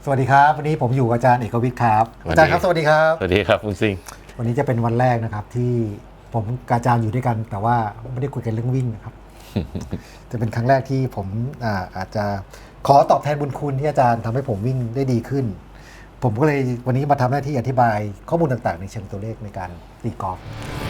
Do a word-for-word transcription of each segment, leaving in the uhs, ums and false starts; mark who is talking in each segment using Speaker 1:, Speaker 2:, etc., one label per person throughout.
Speaker 1: สวัสดีครับวันนี้ผมอยู่กับอาจารย์เอกวิทย์ครับอาจารย์ครับสวัสดีครับ
Speaker 2: สวัสดีครับคุณซิง
Speaker 1: วันนี้จะเป็นวันแรกนะครับที่ผมกับอาจารย์อยู่ด้วยกันแต่ว่าไม่ได้คุยกันเรื่องวิ่งนะครับ จะเป็นครั้งแรกที่ผมอาอาจจะขอตอบแทนบุญคุณที่อาจารย์ทำให้ผมวิ่งได้ดีขึ้นผมก็เลยวันนี้มาทำหน้าที่อธิบายข้อมูลต่างๆในเชิงตัวเลขในการตีกอล์ฟ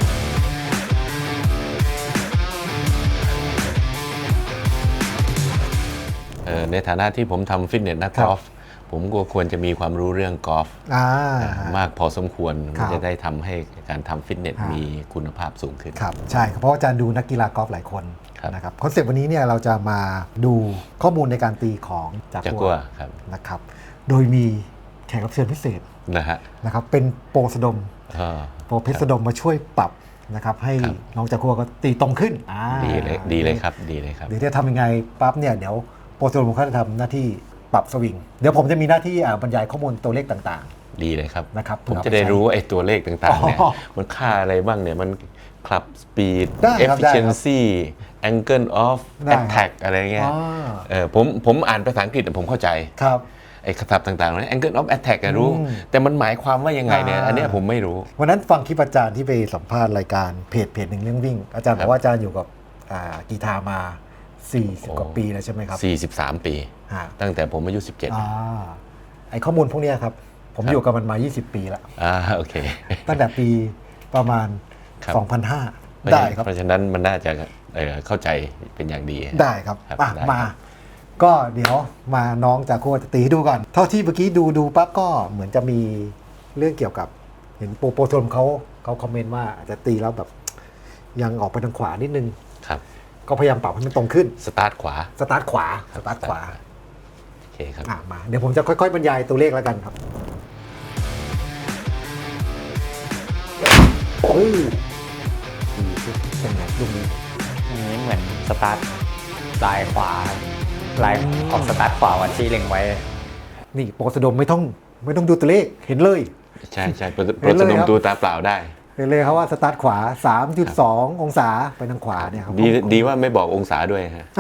Speaker 2: ในฐานะที่ผมทำฟิตเนสนักกอล์ฟผมก็ควรจะมีความรู้เรื่องกอล์ฟมากพอสมควรจะได้ทำให้การทำฟิตเนสมีคุณภาพสูงขึ้น
Speaker 1: ครับใช่เพราะอาจารย์ดูนักกีฬากอล์ฟหลายคนนะครับคอนเซปต์วันนี้เนี่ยเราจะมาดูข้อมูลในการตีของจากัวนะครับโดยมีแขกรับเชิญพิเศษ
Speaker 2: นะฮะ
Speaker 1: นะครับเป็นโปรสดมโปรเพชรสดมมาช่วยปรับนะครับให้น้องจากัวก็ตีตรงขึ้น
Speaker 2: ดีเลยดีเลยครับดีเลยครับ
Speaker 1: เดี๋ยวจะทำยังไงปั๊บเนี่ยเดี๋ยวโปรสดมเขาจะทำหน้าที่ปรับสวิงเดี๋ยวผมจะมีหน้าที่บรรยายข้อมูลตัวเลขต่าง
Speaker 2: ๆดีเลยครับ
Speaker 1: นะครับ
Speaker 2: ผมจะได้รู้ไอ้ตัวเลขต่างๆเนี่ยมันค่าอะไรบ้างเนี่ยมันคลับสปีด efficiency angle of attack อะไรเงี้ยเออผมผมอ่านภาษาอังกฤษผมเข้าใจ
Speaker 1: ครับ
Speaker 2: ไอ้คำต่างๆนั้น angle of attack รู้แต่มันหมายความว่ายังไงเนี่ยอันนี้ผมไม่รู้
Speaker 1: วันนั้นฟังคลิปอาจารย์ที่ไปสัมภาษณ์รายการเพจเพจหนึ่งเรื่องวิ่งอาจารย์บอกว่าอาจารย์อยู่กับกีฬามาสี่สิบกว่าปีแล้วใช่ไหมครับ
Speaker 2: สี่สิบสามปีตั้งแต่ผมอายุสิบเจ็ด
Speaker 1: อ่าไอ้ข้อมูลพวกนี้ครับผมอยู่กับมันมายี่สิบปีแล้ว
Speaker 2: อ่าโอเค
Speaker 1: ตั้งแต่ปีประมาณสองพันห้าได้ครับ
Speaker 2: เพราะฉะนั้นมันน่าจะเข้าใจเป็นอย่างดี
Speaker 1: ได้ครับมาก็เดี๋ยวมาน้องจากโคจะตีดูก่อนเท่าที่เมื่อกี้ดูดูปั๊บก็เหมือนจะมีเรื่องเกี่ยวกับเห็นโปรโปรทมเขาเขาคอมเมนต์ว่าอาจจะตีแล้วแบบยังออกไปทางขวานิดนึง
Speaker 2: ครับ
Speaker 1: ก็พยายามปรับให้มันตรงขึ้น
Speaker 2: สตาร์ทขวา
Speaker 1: สตาร์ทขวาสตาร์ทขวา
Speaker 2: โอเคครับ
Speaker 1: มาเดี๋ยวผมจะค่อยๆบรรยายตัวเลขแล้วกันครับเฮ้ยเป็นไงลูกนี้
Speaker 3: อันนี้เหมือนสตาร์ทลายขวาลายของสตาร์ทขวาวันที่เล็งไว้
Speaker 1: นี่โปรสดมไม่ต้องไม่ต้องดูตัวเลขเห็นเลย
Speaker 2: ใช่ใช่โปรสดมดูตาเปล่าได้
Speaker 1: เห็นเลยครับว่าสตาร์ทขวา สามจุดสอง องศาไปทางขวาเนี่ยครับ
Speaker 2: ดีดีว่าไม่บอกองศาด้วยฮะ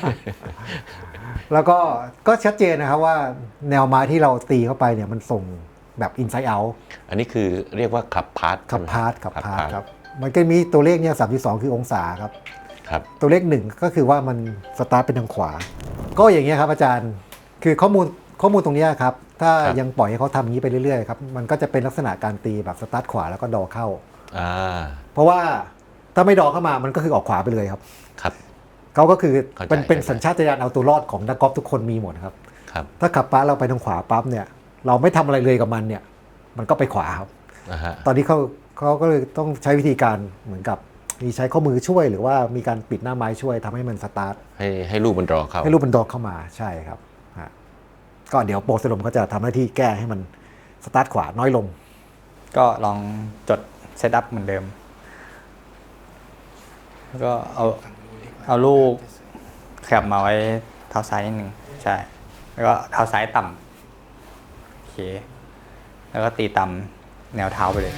Speaker 1: แล้วก็ก็ชัดเจนนะครับว่าแนวไม้ที่เราตีเข้าไปเนี่ยมันส่งแบบอินไซด์เอาท์
Speaker 2: อันนี้คือเรียกว่าขับพาร์ท
Speaker 1: ขับพาร์ทขับพาร์ทครับมันก็มีตัวเลขเนี่ย สามจุดสอง คือองศาครับ
Speaker 2: ครับ
Speaker 1: ตัวเลขหนึ่งก็คือว่ามันสตาร์ทเป็นทางขวาก็อย่างเงี้ยครับอาจารย์คือข้อมูลข้อมูลตรงนี้ครับถ้ายังปล่อยให้เขาทำอย่างนี้ไปเรื่อยๆครับมันก็จะเป็นลักษณะการตีแบบสตาร์ทขวาแล้วก็ดอเข้าเพราะว่าถ้าไม่ดอเข้ามามันก็คือออกขวาไปเลยครับ
Speaker 2: ครับ
Speaker 1: เขาก็คือเป็นเป็นสัญชาตญาณเอาตัวรอดของนักกอล์ฟทุกคนมีหมดครับ
Speaker 2: ครับ
Speaker 1: ถ้าขับปั๊บเราไปทางขวาปั๊บเนี่ยเราไม่ทำอะไรเลยกับมันเนี่ยมันก็ไปขวาครับตอนนี้เขาเขาก็เลยต้องใช้วิธีการเหมือนกับมีใช้ข้อมือช่วยหรือว่ามีการปิดหน้าไม้ช่วยทำให้มันสตาร์ท
Speaker 2: ให้ให้ลูกมันดอเข้า
Speaker 1: ให้ลูกมันดอเข้ามาใช่ครับก็เดี๋ยวโปรสดมเขาจะทำหน้าที่แก้ให้มันสตาร์ทขวาน้อยลง
Speaker 3: ก็ลองจดเซตอัพเหมือนเดิมแล้วก็เอาเอาลูกขยับมาไว้เท้าซ้ายนิดนึงใช่แล้วก็เท้าซ้ายต่ำโอเคแล้วก็ตีต่ำแนวเท้าไปเลย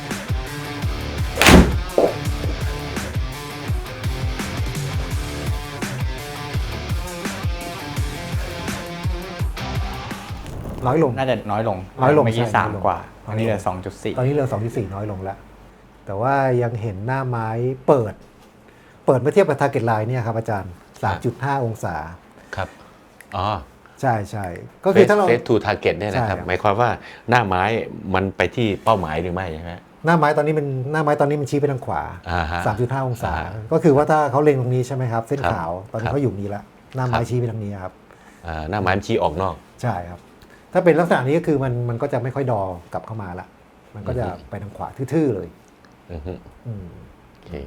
Speaker 1: น้อยลง
Speaker 3: น่าจะน้อยลง
Speaker 1: น้อยลง
Speaker 3: เมื่อกี้สามกว่าอันนี้เหลือ สองจุดสี่
Speaker 1: ตอนนี้เหลือ สองจุดสี่ น้อยลงแล้วแต่ว่ายังเห็นหน้าไม้เปิดเปิดเมื่อเทียบกับ target line เนี่ยครับอาจารย์ สามจุดห้า องศา
Speaker 2: ครับอ๋อ
Speaker 1: ใช่ใช่ก็คือถ้าเรา
Speaker 2: face to target เนี่ยนะครับหมายความว่าหน้าไม้มันไปที่เป้าหมายหรือไม่ใช่ไหม
Speaker 1: หน้าไม้ตอนนี้มันหน้าไม้ตอนนี้มันชี้ไปทางขวา สามจุดห้า องศาก็คือว่าถ้าเขาเล็งตรงนี้ใช่ไหมครับเส้นขาวตอนนี้เขาอยู่นี้แล้วหน้าไม้ชี้ไปทางนี้ครับ
Speaker 2: หน้าไม้ชี้ออกนอก
Speaker 1: ใช่ครับถ้าเป็นลักษณะนี้ก็คือมันมันก็จะไม่ค่อยดอกลับเข้ามาละมันก็จะไปทางขวาทื่อๆเลย
Speaker 2: อืมโอเค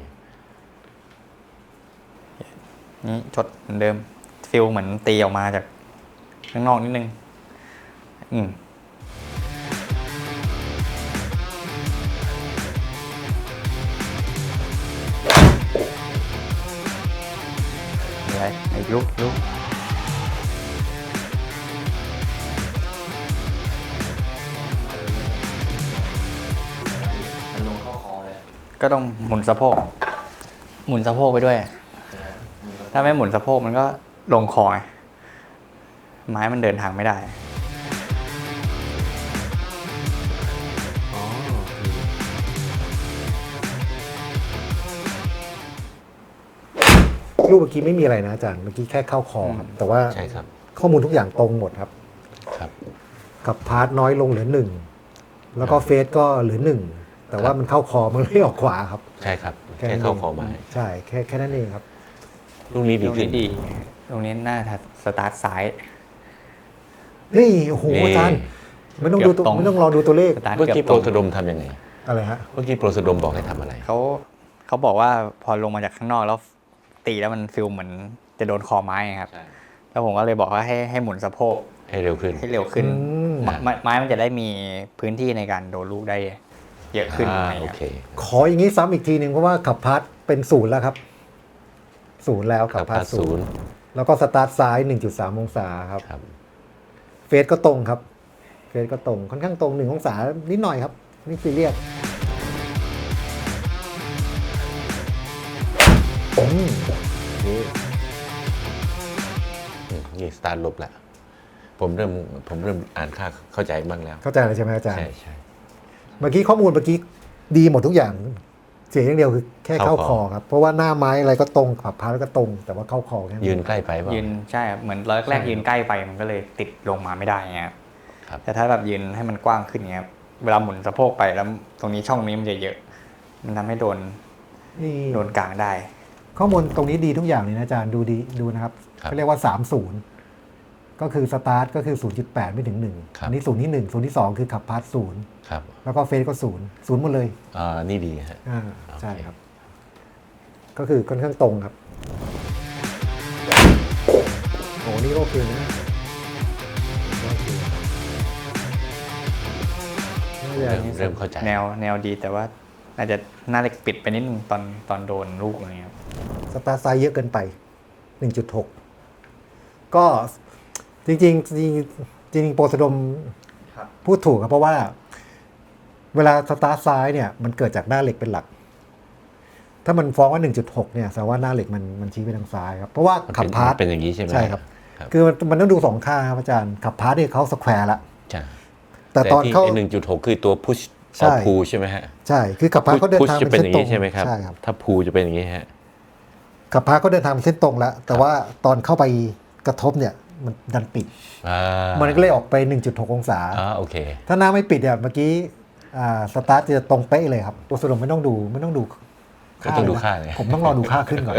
Speaker 3: นี่จดเหมือนเดิมฟิลเหมือนตีออกมาจากข้างนอกนิดนึงอืมอะไรอีกลุกลุกก็ต้องหมุนสะโพกหมุนสะโพกไปด้วยถ้าไม่หมุนสะโพกมันก็ลงคอไม้มันเดินทางไม่ได้
Speaker 1: ลูกเมื่อกี้ไม่มีอะไรนะอาจารย์เมื่อกี้แค่เข้าคอครับแต่ว่า
Speaker 2: ใช่ครับ
Speaker 1: ข้อมูลทุกอย่างตรงหมดครับ
Speaker 2: ครับ
Speaker 1: กับพาร์ทน้อยลงเหลือหนึ่งแล้วก็เฟสก็เหลือหนึ่งแต่ว่ามันเข้าคอมันไม่ออกขวาครับ
Speaker 2: ใช่ครับแค่เข้าคอไม้
Speaker 1: ใช่แค่แค่นั้นเองครับ
Speaker 2: ลูกนี้ดี
Speaker 3: ตรง
Speaker 2: ขึ้น
Speaker 3: นี้ดี ตรงนี้น่าจะสตาร์ทซ้าย
Speaker 1: นี่โอ้โห
Speaker 2: นี่
Speaker 1: อาจารย์ไม่ต้องดูตัว
Speaker 3: เกือบตรง
Speaker 1: ไม่ต้องรอดูตัวเลข
Speaker 3: สตาร์ท
Speaker 2: เมื่อ
Speaker 3: เกื
Speaker 2: กี้
Speaker 3: อบ
Speaker 2: โป
Speaker 3: ต
Speaker 2: ร
Speaker 3: รง
Speaker 2: สะดมทำยังไง
Speaker 1: อะไรฮะ
Speaker 2: เมื่อกี้โปรสะดมบอกให้ทำอะไร
Speaker 3: เขาเขาบอกว่าพอลงมาจากข้างนอกแล้วตีแล้วมันฟิลเหมือนจะโดนคอไม้ไงครับ
Speaker 2: ใช่
Speaker 3: แล้วผมก็เลยบอกว่าให้ให้หมุนสะโพก
Speaker 2: ให้เร็วขึ้น
Speaker 3: ให้เร็วขึ้น
Speaker 1: อืม
Speaker 3: ไม้ไม้ไม้มันจะได้มีพื้นที่ในการโดนลูกได้เยอะขึ้น
Speaker 2: อ่า
Speaker 3: อะไร
Speaker 2: โอ
Speaker 3: เงี้ย
Speaker 2: เค
Speaker 1: ขออย่างนี้ซ้ำอีกทีหนึ่งเพราะว่าขับพาร์ทเป็นศูนย์แล้วครับศูนย์แล้วขับพาร์ทศูนย์แล้วก็สตาร์ทซ้าย หนึ่งจุดสาม องศาครับ
Speaker 2: ครับ
Speaker 1: เฟสก็ตรงครับเฟสก็ตรงค่อนข้างตรงหนึ่งองศานิดหน่อยครับนี่ซีเรียสอืมโอเค
Speaker 2: อืมนี่สตาร์ทลบแล้วผมเริ่มผมเริ่มอ่านค่าเข้าใจบ้างแล้ว
Speaker 1: เข้าใจเลยใช่ไหมอาจารย์
Speaker 2: ใช่ใช่
Speaker 1: เมื่อกี้ข้อมูลเมื่อกี้ดีหมดทุกอย่าง เสียอย่างเดียวคือแค่เข้า
Speaker 2: เข้า
Speaker 1: ค
Speaker 2: ค
Speaker 1: อ
Speaker 2: อ
Speaker 1: ครับเพราะว่าหน้าไม้อะไรก็ตรงขับพาร์ทก็ตรง แต่ว่าเข้าคอแค่นั้น
Speaker 2: ยืนใกล้ไปเปล่า
Speaker 3: ยืนใช่ครับเหมือนร้อยแรกยืนใกล้ไปมันก็เลยติดลงมาไม่ได้เงี้ยครับ
Speaker 2: ครับ
Speaker 3: แต่ถ้าแบบยืนให้มันกว้างขึ้นเงี้ยครับเวลาหมุนสะโพกไปแล้วตรงนี้ช่องนี้มันจะเยอะ มันทำให้โดน
Speaker 1: นี่
Speaker 3: โดนกลางได้
Speaker 1: ข้อมูลตรงนี้ดีทุกอย่างเลยนะอาจารย์ดูดีดูนะครับ
Speaker 2: ครับ
Speaker 1: เขาเรียกว่า สามสิบ ก็คือสตาร์ทก็คือ ศูนย์จุดแปด ไม่ถึงหนึ่ง
Speaker 2: ครับ
Speaker 1: อันนี้ศูนย์ที่หนึ่งศูนย์ที่สองคือขับพาร์ทศูนย์
Speaker 2: ครับ
Speaker 1: แล้วก็เฟสก็ศูนย์ศูนย์หมดเลย
Speaker 2: อ่านี่ดีฮะ
Speaker 1: อ่า
Speaker 2: โอเค
Speaker 1: ใช่ครับ ก็คือค่อนข้างตรงครับโอ้นี่โอเคนะโอเคน่าจะ
Speaker 2: เริ่มเริ่มเข้าใจ
Speaker 3: แนวแนวดีแต่ว่าอาจจะหน้าเหล็กปิดไปนิดนึงตอนตอนโดนลูกอะไรเงี้ยครับ
Speaker 1: สตาร์ทไซส์เยอะเกินไป หนึ่งจุดหก ก็จริงๆจริงๆจริงๆโปรสะดมพูดถูกครับเพราะว่า เวลาสตาร์ทซ้ายเนี่ยมันเกิดจากหน้าเหล็กเป็นหลัก ถ้ามันฟ้องว่า หนึ่งจุดหก เนี่ยแสดงว่าหน้าเหล็กมันมันชี้ไปทางซ้ายครับ เพราะว่า
Speaker 2: มัน
Speaker 1: ขั
Speaker 2: เป็
Speaker 1: บ
Speaker 2: น
Speaker 1: พาร์ท
Speaker 2: เป็นอย่างนี้ใช่ไหม
Speaker 1: ใช่ครับ
Speaker 2: ครับ
Speaker 1: คือมันมันต้องดูสองข้างครับอาจารย์ ขับพาร์ทเนี่ยเขาสแควร์ละ
Speaker 2: ใช่
Speaker 1: แต่ตอน
Speaker 2: ที่
Speaker 1: เข้า
Speaker 2: หนึ่งจุดหกคือตัว push
Speaker 1: ใช่
Speaker 2: or pull ใช่ไหมฮะ
Speaker 1: ใช่ คือขับพาร์ทเขาเดิน
Speaker 2: push
Speaker 1: ทาง
Speaker 2: จะ
Speaker 1: เป็
Speaker 2: เป็น
Speaker 1: น
Speaker 2: อ
Speaker 1: เส้น
Speaker 2: ย่าง
Speaker 1: ตรง
Speaker 2: นี้ใช่ไหมครับ
Speaker 1: ใช่ครับ
Speaker 2: ถ้า pull จะเป็นอย่างนี้ฮะ
Speaker 1: ขับพาร์ทเขาเดินทางเป็นเส้นตรงแล้ว แต่ว่าตอนเข้าไปกระทบเนี่ยมันดันปิด
Speaker 2: อ่า
Speaker 1: มันก็เลยออกไป หนึ่งจุดหก องศา
Speaker 2: อ่าโอเค
Speaker 1: ถ้าหน้าไม่ปิดเนี่ยเมื่อกี้อ่าสตาร์ทจะตรงเป๊ะเลยครับตัวสรุปไม่ต้องดูไม่ต้องดู
Speaker 2: ไม่ต้องดู
Speaker 1: เลยนะ
Speaker 2: ค่าเลย
Speaker 1: ผมต้องรอดูค่าขึ้นก่อน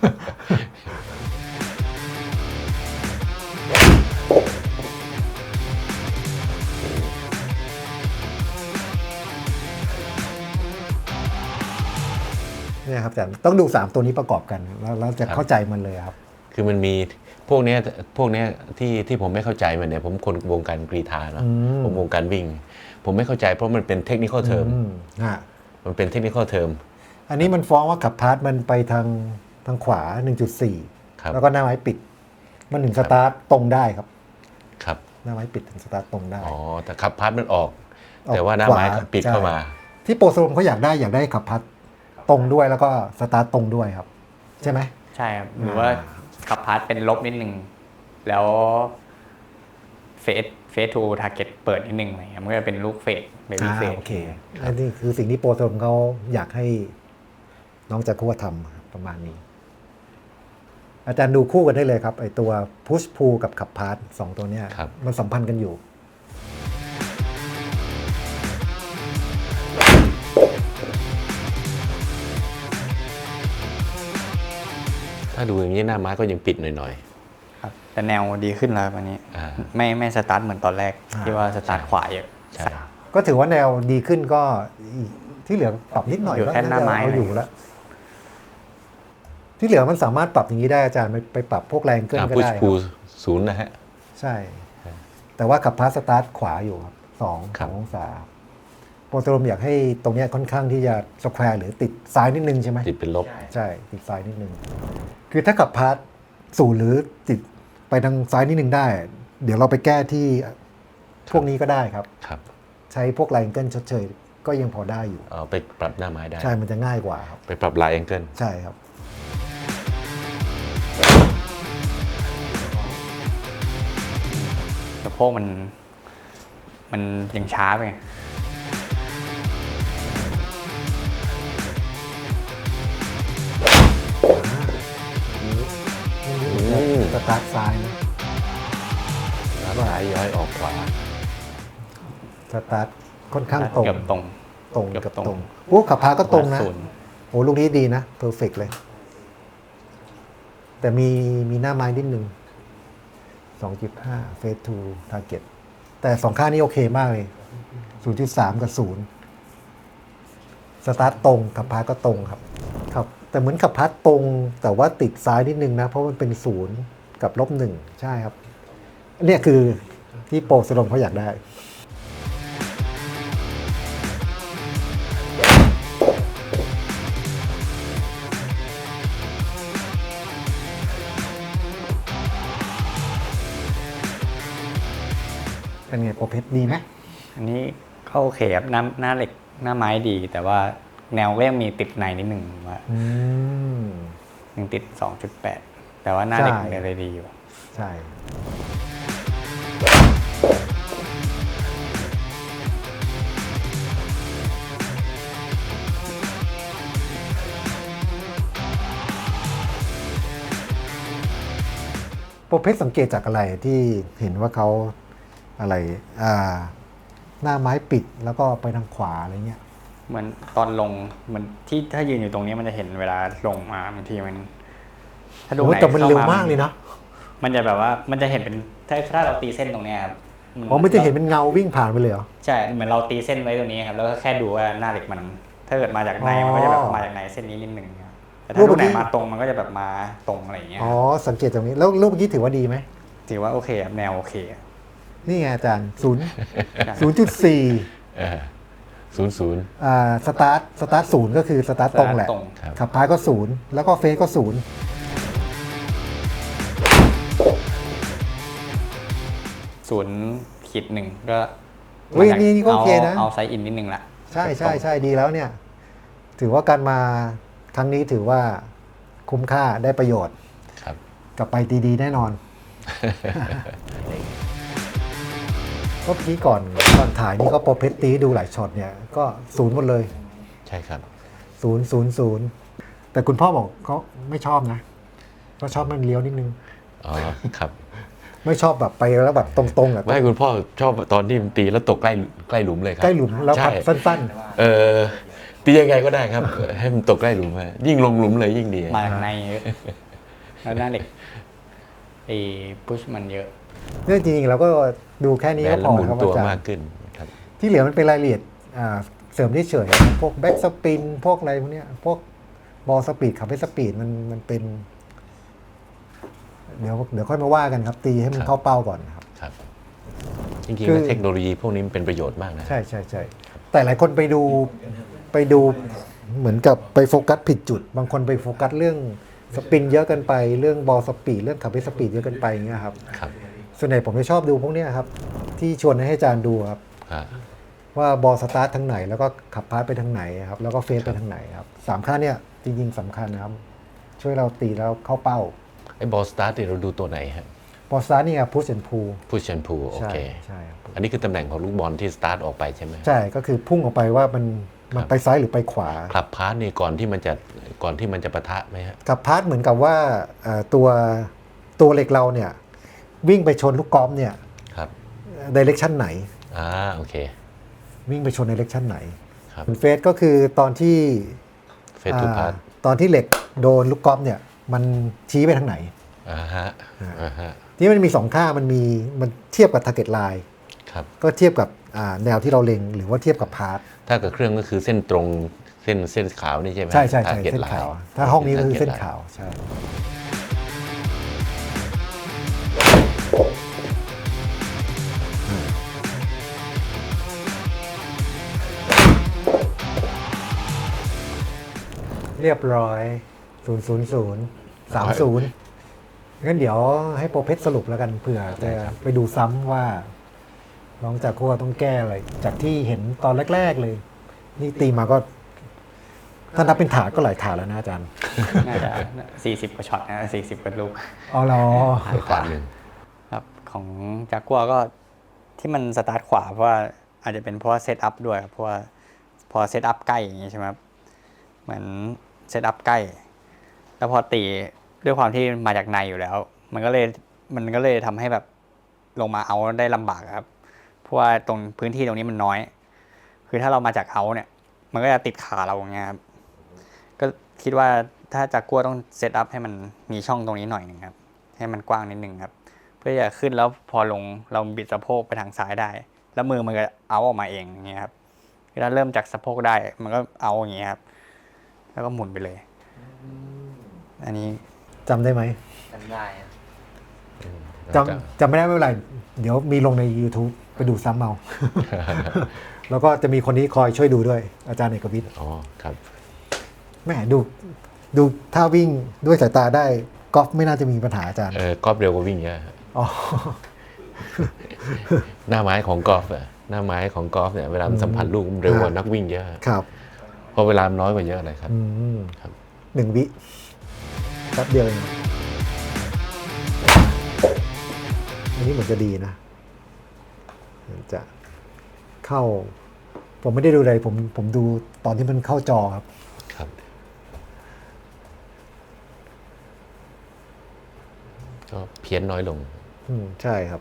Speaker 1: เนี่ยครับอาจารย์ต้องดูสามตัวนี้ประกอบกันแล้วเราจะเข้าใจมันเลยครับ
Speaker 2: คือมันมีพวกเนี้ยพวกเนี้ยที่ที่ผมไม่เข้าใจมันเนี่ยผมคนวงการกรีฑาเนาะ
Speaker 1: อืม
Speaker 2: ผมวงการวิ่ง ผมไม่เข้าใจเพราะมันเป็นเทคนิคอลเทอม
Speaker 1: อืมฮะ
Speaker 2: มันเป็นเทคนิคอลเทอม
Speaker 1: อันนี้มันฟ้องว่าขับพาร์ทมันไปทางทางขวา หนึ่งจุดสี่
Speaker 2: ครับ
Speaker 1: แล้วก็หน้าไม้ปิด มันถึงสตาร์ทตรงได้ครับ
Speaker 2: ครับ
Speaker 1: หน้าไม้ปิดถึงสตาร์ทตรงได้
Speaker 2: อ๋อแต่ขับพัดมันออก
Speaker 1: ออก
Speaker 2: แต่ว่าหน้าไม้
Speaker 1: ขวา
Speaker 2: ปิด
Speaker 1: ใช่
Speaker 2: เข้ามา
Speaker 1: ที่โปรโซมเขาอยากได้อยากได้ขับพัดตรงด้วยแล้วก็สตาร์ทตรงด้วยครับ ใช่ไหม
Speaker 3: ใช่ครับหรือว่าขับพาร์ทเป็นลบนิดนึง แล้วเฟสเฟสทูทาร์เก็ตเปิดนิดนึงอะไรเงี้ยมันก็จะเป็นลูกเฟสเบบี้
Speaker 1: อ่า
Speaker 3: เฟส
Speaker 1: โอเคอันนี้คือสิ่งที่โปรโซมเขาอยากให้น้องจะคู่ทำครับประมาณนี้ อาจารย์ดูคู่กันได้เลยครับไอตัวพุชพูกับขับพาร์ทสองตัวเนี้ย
Speaker 2: ครับ
Speaker 1: มันสัมพันธ์กันอยู่
Speaker 2: ถ้าดูอย่างนี้หน้าไม้ก็ยังปิดหน่อย
Speaker 3: ครับแต่แนวดีขึ้นแล้ววันนี้
Speaker 2: อ่า
Speaker 3: ไม่ไม่สตาร์ทเหมือนตอนแรก
Speaker 1: อ่า
Speaker 3: ที่ว่าสตาร์ทขวาเยอะ
Speaker 2: ๆ ใช่
Speaker 1: ก็ถือว่าแนวดีขึ้นก็อีกที่เหลือปรับนิดหน่อย
Speaker 3: อยู่
Speaker 1: ก็
Speaker 3: แค่หน้าไม้
Speaker 1: เอาอยู่แล้ว ที่เหลือมันสามารถปรับอย่างนี้ได้อาจารย์ไปไปปรับพวกแรงเกินก็
Speaker 2: พุช
Speaker 1: ได้ค
Speaker 2: พู
Speaker 1: รับ
Speaker 2: ศูนย์นะฮะ
Speaker 1: ใช่ แต่ว่าขับพาสตาร์ทขวาอยู่ครับสอง
Speaker 2: ครั
Speaker 1: สอบ งองศาโปรโตรมอยากให้ตรงเนี้ยค่อนข้างที่จะสแควร์หรือติดซ้ายนิดนึงใช่ไหม
Speaker 2: ติดเป็นลบ
Speaker 1: ใช่ติดซ้ายนิดนึง คือถ้าขับพาสศูนย์หรือติดไปทางซ้ายนิดนึงได้ เดี๋ยวเราไปแก้ที่พวกนี้ก็ได้ครับ
Speaker 2: ครับ
Speaker 1: ใช้พวกแรงเกิลชดเชยก็ยังพอได้อยู่
Speaker 2: เอาไปปรับหน้าไม้ได้
Speaker 1: ใช่มันจะง่ายกว่าครับ
Speaker 2: ไปปรับลายแองเกิล
Speaker 1: ใช่ครับ
Speaker 3: สะโพกมัน มันยังช้าไปไง
Speaker 1: อันนี้สตาร์ทซ้ายนะ
Speaker 2: แล้วซ้ายย้อยออกขวา
Speaker 1: สตาร์ทค่อนข้างตรง
Speaker 3: เกือบตรง
Speaker 1: ตรง
Speaker 3: เกือบ
Speaker 1: กับ
Speaker 3: ตรง
Speaker 1: ตรงโอ้ขับพาก็ตรงนะ
Speaker 3: ศูย์
Speaker 1: โอ้ลูกนี้ดีนะเพอร์เฟกเลย แต่มีมีหน้าไม้นิดนึง สองจุดห้า เฟสทูทาร์เก็ตแต่สองข้างนี้โอเคมากเลย ศูนย์จุดสาม กับศูนย์สตาร์ทตรงขับพาก็ตรงครับครับ แต่เหมือนขับพาตรง แต่ว่าติดซ้ายนิดนึงนะ เพราะมันเป็นศูนย์กับลบหนึ่งใช่ครับเนี่ยคือที่โปรสโลมเขาอยากได้ เป็นไงโปรเพชรดีไหม
Speaker 3: อันนี้ก็โอเคครับหน้าหน้าเหล็กหน้าไม้ดี แต่ว่าแนวก็ยังมีติดในนิดหนึ่งว่า
Speaker 1: อืม
Speaker 3: ยังติด สองจุดแปด แต่ว่าหน้าเหล็ก
Speaker 1: ใช่
Speaker 3: ยังเลยดีอยู่
Speaker 1: ใช่โปรเพชรสังเกตจากอะไรที่เห็นว่าเขาอะไรอ่าหน้าไม้ปิดแล้วก็ไปทางขวาอะไรเงี้ย
Speaker 3: เหมือนตอนลงเหมือนที่ถ้ายืนอยู่ตรงนี้มันจะเห็นเวลาลงมาบางทีมันถ้าดู
Speaker 1: โอ้
Speaker 3: ไหน
Speaker 1: แต่มัน
Speaker 3: ข้
Speaker 1: เร็วมากเลยนะ
Speaker 3: มันจะแบบว่ามันจะเห็นเป็นถ้าถ้าเราตีเส้นตรงเนี้ยครับ
Speaker 1: อ๋อไม่จะเห็นเป็นเงาวิ่งผ่านไปเลยเหรอ
Speaker 3: ใช่เหมือนเราตีเส้นไว้ตรงนี้ครับแล้วก็แค่ดูว่าหน้าเหล็กมัน ถ้าเกิดมาจากในมันก็จะแบบมาจากในเส้นนี้นิดนึงครับแต่ถ้าดูไหนมาตรงมันก็จะแบบมาตรงอะไรอย่างเงี้ย
Speaker 1: อ๋อสังเกตตรงนี้แล้วรูปเมื่อกี้ถือว่าดีไหม
Speaker 3: ถือว่าโอเคครับแนวโอเค
Speaker 1: นี่ไงอาจารย์ศูนย์ศูนย์จุดสี่
Speaker 2: ศูนย์ศูนย์
Speaker 1: อ่าสตาร์ทสตาร์ทศูนย์ก็คือสตาร์ทตรงแหละ
Speaker 3: ตรง
Speaker 2: ครับ
Speaker 1: ขับพายก็ศูนย์แล้วก็เฟสก็ศูนย์
Speaker 3: ศูนย์ขีดหนึ่งก็
Speaker 1: เฮ้ยนี่นี่ก็โอเคนะ
Speaker 3: เอาไซส์อินนิดนึงละ
Speaker 1: ใช่ใช่ใช่ดีแล้วเนี่ย ถือว่าการมาครั้งนี้ถือว่าคุ้มค่าได้ประโยชน์
Speaker 2: ครับ
Speaker 1: กลับไปดีๆแน่นอน ก็เมื่อกี้ก่อนก่อนถ่ายนี่ก็โปรเพชรตีดูหลายช็อตเนี่ยก็ศูนย์หมดเลย
Speaker 2: ใช่ครับ
Speaker 1: ศูนย์ศูนย์ศูนย์แต่คุณพ่อบอกเขาไม่ชอบนะก็ชอบมันเลี้ยวนิดนึง
Speaker 2: อ๋อ ครับ
Speaker 1: ไม่ชอบแบบไปแล้วแบบตรงๆอ่ะ
Speaker 2: ไม่คุณพ่อชอบตอนที่มันตีแล้วตกใกล้ใกล้หลุมเลยครับ
Speaker 1: ใกล้หลุมแล้วพัด
Speaker 2: ใช่
Speaker 1: สั้น
Speaker 2: เออตียังไงก็ได้ครับ ให้มันตกใกล้หลุมฮะยิ่งลงหลุมเลยยิ่งดี
Speaker 3: มาจากในเยอะแล้วหน้าเหล็กไอ้พุชมันเยอะ
Speaker 1: ๆเนี่ยจริงๆเราก็ดูแค่นี้
Speaker 2: แบ
Speaker 1: ก็
Speaker 2: น
Speaker 1: พ
Speaker 2: แล้ว
Speaker 1: อ
Speaker 2: หมุน
Speaker 1: ครับ
Speaker 2: ตัว
Speaker 1: อาจาร
Speaker 2: มาก
Speaker 1: ย์
Speaker 2: ขึ้นครับ
Speaker 1: ที่เหลือมันเป็นรายละเอียดอ่าเสริมเฉยๆพวกแบ็กสปินพวกอะไรพวกเนี้ยพวกบอลสปีดขับให้สปีดมันมันเป็น เดี๋ยวเดี๋ยวค่อยมาว่ากันครับ ตีให้มันเข้าเป้าก่อนครับ
Speaker 2: ครับ จริงๆ
Speaker 1: คือ
Speaker 2: แล้วเทคโนโลยีพวกนี้มันเป็นประโยชน์มากนะ
Speaker 1: ใช่ใช่ใช่แต่หลายคนไปดูไปดูเหมือนกับไปโฟกัสผิดจุด บางคนไปโฟกัสเรื่องสปินเยอะเกินไปเรื่องบอลสปีดเรื่องขับให้สปีดเยอะเกินไปอย่างเงี้ยครับ
Speaker 2: ครับ
Speaker 1: ส่วนใหญ่ผมจะชอบดูพวกเนี้ยครับ ที่ชวนให้อาจารย์ดูครับ
Speaker 2: อ่า
Speaker 1: ว่าบอลสตาร์ททางไหนแล้วก็ขับพาสไปทางไหนครับแล้วก็เฟสไปทางไหนครับสามค่าเนี่ยจริงๆสำคัญนะครับ ช่วยเราตีแล้วเข้าเป้า
Speaker 2: ไอ้บอลสตาร์ทเนี่ยเราดูตัวไหนฮะ
Speaker 1: บอลสตาร์ทนี่ครับพุชแอนพู
Speaker 2: พุชชันพูโอ
Speaker 1: ใช่
Speaker 2: เค
Speaker 1: ใช่ครับ
Speaker 2: อันนี้คือตำแหน่งของลูกบอลที่สตาร์ทออกไปใช่ไหม
Speaker 1: ใช่ก็คือพุ่งออกไปว่ามันมันไปซ้ายหรือไปขวา
Speaker 2: คลับพาสนี่ก่อนที่มันจะก่อนที่มันจะปะทะไหมฮะ
Speaker 1: กับพาสเหมือนกับว่าเอ่อตัวตัวเหล็กเราเนี่ยวิ่งไปชนลูกกอล์ฟเนี่ย
Speaker 2: ครับ
Speaker 1: ดิเรกชันไหน
Speaker 2: อ่าโอเค
Speaker 1: วิ่งไปชนดิเรกชันไหน
Speaker 2: ครับ
Speaker 1: ส่วนเฟสก็คือตอนที่
Speaker 2: เฟสทูพาส
Speaker 1: อ่าตอนที่เหล็กโดนลูกกอล์ฟเนี่ยมันชี้ไปทางไหน
Speaker 2: อ่าฮะอ่าฮะ
Speaker 1: ที่มันมีสองค่ามันมีมันเทียบกับ target line
Speaker 2: ครับ
Speaker 1: ก็เทียบกับอ่าแนวที่เราเล็งหรือว่าเทียบกับพาร์ท
Speaker 2: ถ้ากับเครื่องก็คือเส้นตรงเส้นเส้นขาวนี่ใช่ไหม
Speaker 1: ใช่ใช่ใช่
Speaker 2: Target
Speaker 1: เส้น
Speaker 2: line
Speaker 1: ขาว ถ้าห้องนี้ก็คือ
Speaker 2: Target
Speaker 1: เส้น
Speaker 2: line
Speaker 1: ขาวใช่เรียบร้อย ศูนย์ ศูนย์ ศูนย์ สาม ศูนย์ งั้นเดี๋ยวให้โปรเพชรสรุปแล้วกันเผื่อจะไปดูซ้ำว่าน้องจากโคต้องแก้อะไร จากที่เห็นตอนแรก ๆ เลย นี่ตีมาก็ ถ้านับเป็นถาดก็หลายถาดแล้วนะอาจารย์
Speaker 3: น่าจะสี่สิบกว่าช็อตนะสี่สิบกว่าลูก
Speaker 1: อ๋อเหรอ
Speaker 2: ถาดหนึ่ง
Speaker 3: ครับของจากกัวก็ที่มันสตาร์ทขวาเพราะว่าอาจจะเป็นเพราะว่าเซตอัพด้วยครับเพราะว่าพอเซตอัพใกล้อย่างนี้ใช่ไหมครับเหมือนเซตอัพใกล้ แล้วพอตีด้วยความที่มาจากในอยู่แล้วมันก็เลยมันก็เลยทำให้แบบลงมาเอาได้ลำบากครับเพราะว่าตรงพื้นที่ตรงนี้มันน้อย คือถ้าเรามาจากเอาเนี่ย มันก็จะติดขาเราอย่างเงี้ยครับก็คิดว่าถ้าจากกลัวต้องเซตอัพให้มันมีช่องตรงนี้หน่อยหนึ่งครับให้มันกว้างนิดนึงครับ เพื่อจะขึ้นแล้วพอลงเราบิดสะโพกไปทางซ้ายได้ แล้วมือมันก็เอาออกมาเองอย่างเงี้ยครับถ้าเริ่มจากสะโพกได้ มันก็เอาอย่างเงี้ยครับแล้วก็หมุนไปเลย อันนี้
Speaker 1: จำได้ไหม
Speaker 3: จำได้
Speaker 1: จำจำไม่ได้ไม่เป็นไร เดี๋ยวมีลงใน YouTube ไปดูซ้ำเอา แล้วก็จะมีคนนี้คอยช่วยดูด้วย อาจารย์เอกวิทย์
Speaker 2: อ๋อครับ
Speaker 1: แม่ดูดูถ้าวิ่งด้วยสายตาได้กอล์ฟไม่น่าจะมีปัญหาอาจารย์
Speaker 2: เออกอล์ฟเร็วกว่าวิ่งเยอะ
Speaker 1: อ๋อ
Speaker 2: หน้าไม้ของกอล์ฟอะหน้าไม้ของกอล์ฟเนี่ยเวลามันสัมผัสลูกมันเร็วกว่านักวิ่งเยอะ
Speaker 1: ครับ
Speaker 2: เพราะเวลามันน้อยกว่าเยอะเลยครับ
Speaker 1: อืม
Speaker 2: ครับ
Speaker 1: หนึ่งวิแป๊บเดียวเองอันนี้เหมือนจะดีนะเหมือนจะเข้า ผมไม่ได้ดูเลยผมผมดูตอนที่มันเข้าจอครับ
Speaker 2: ครับ ก็เพี้ยนน้อยลง
Speaker 1: อืมใช่ครับ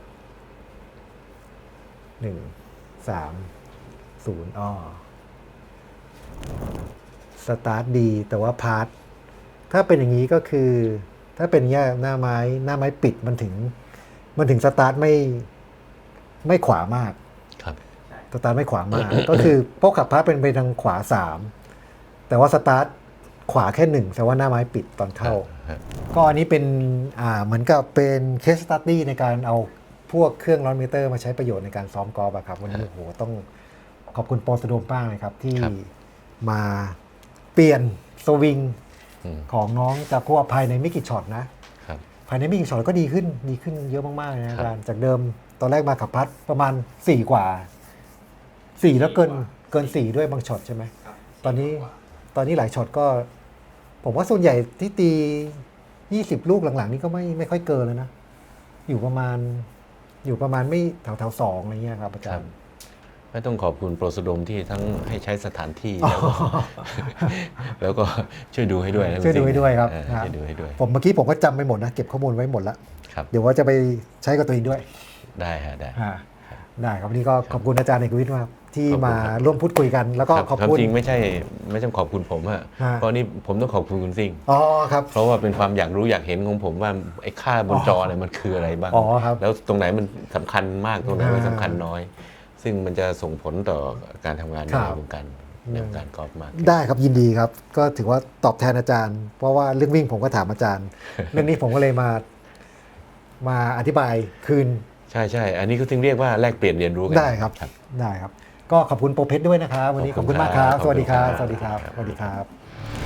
Speaker 1: หนึ่งสามศูนย์อ้อสตาร์ทดีแต่ว่าพาร์ทถ้าเป็นอย่างนี้ก็คือ ถ้าเป็นแย่หน้าไม้หน้าไม้ปิดมันถึง มันถึงสตาร์ทไม่ไม่ขวามาก
Speaker 2: ครับ
Speaker 1: สตาร์ทไม่ขวามาก ก็คือพวกขับพาร์ทเป็นไปทางขวาสามแต่ว่าสตาร์ทขวาแค่หนึ่งแต่ว่าหน้าไม้ปิดตอนเข้า ก็อันนี้เป็นอ่าเหมือนกับเป็นเคสสตัดดี้ในการเอาพวกเครื่องร้อนมิเตอร์มาใช้ประโยชน์ในการซ้อมกอล์ฟอะครับวันนี้โอ้โหต้องขอบคุณโปรสโดมป้างเลยครับ ที่
Speaker 2: ครับ
Speaker 1: มาเปลี่ยนสวิง
Speaker 2: อืม
Speaker 1: ของน้องจากัวภายในไม่กี่ช็อตนะ
Speaker 2: ครับ
Speaker 1: ภายในไม่กี่ช็อตก็ดีขึ้นดีขึ้นเยอะมากๆเลยนะ
Speaker 2: ครั
Speaker 1: อา
Speaker 2: บ
Speaker 1: จารย์จากเดิมตอนแรกมาขับพัดประมาณสี่กว่าสี่แล้วเกินเกินสี่ด้วยบางช็อตใช่ไหมตอนนี้ตอนนี้หลายช็อตก็ ผมว่าส่วนใหญ่ที่ตียี่สิบลูกหลังๆนี่ก็ไม่ไม่ค่อยเกินแล้วนะ อยู่ประมาณ อยู่ประมาณไม่แถวแถวสองอะไรเงี้ยครับอาจารย์
Speaker 2: ไม่ต้องขอบคุณโปรสโดมที่ทั้งให้ใช้สถานที่แล้วก็ แล้วก็ช่วยดูให้ด้วยนะ
Speaker 1: ช่วยดูให้ด้วยครับ
Speaker 2: เออ
Speaker 1: ครับ
Speaker 2: ช่วยดูให้ด้วย
Speaker 1: ผมเมื่อกี้ผมก็จำไม่หมดนะ เก็บข้อมูลไว้หมดแล้ว
Speaker 2: ครับ
Speaker 1: เดี๋ยวว่าจะไปใช้กับตัวเองด้วย
Speaker 2: ได้ฮะได้
Speaker 1: อ่าได้ครับวันนี้ก็ขอบคุณอาจารย์เอกวิทย์มากที่
Speaker 2: ขอบคุณ
Speaker 1: มา
Speaker 2: ครับ
Speaker 1: ร่วมพูดคุยกัน แล้วก็
Speaker 2: ครับ
Speaker 1: ขอบ
Speaker 2: ความ
Speaker 1: คุณ
Speaker 2: จริงไม่ใช่ไม่ใช่ขอบคุณผมอะ
Speaker 1: ฮะ
Speaker 2: เพราะนี่ผมต้องขอบคุณคุณซิ่ง
Speaker 1: อ๋อครับ
Speaker 2: เพราะว่าเป็นความอยากรู้อยากเห็นของผมว่าไอ้ค่าบนจอเนี่ยมันคืออะไรบ้าง
Speaker 1: อ๋อครับ
Speaker 2: แล้วตรงไหนมันสำคัญมากตรงไหนมัน
Speaker 1: อ่า
Speaker 2: สำคัญน้อย ซึ่งมันจะส่งผลต่อการทำงานใน
Speaker 1: ครับ
Speaker 2: วงการในวงการกอล์ฟมาก
Speaker 1: ได้ครับยินดีครับ ก็ถือว่าตอบแทนอาจารย์ เพราะว่าเรื่องวิ่งผมก็ถามอาจารย์ เรื่องนี้ผมก็เลยมา มาอธิบายคืน
Speaker 2: ใช่ใช่อันนี้ก็ถึงเรียกว่าแลกเปลี่ยนเรียนรู้กัน
Speaker 1: ได้ครับ ได้ครับ ก็ขอบคุณโปรเพชรด้วยนะครับ วันนี้ขอบคุณมากครับ สวัสดีครับ สวัสดีครับ สวัสดีครับ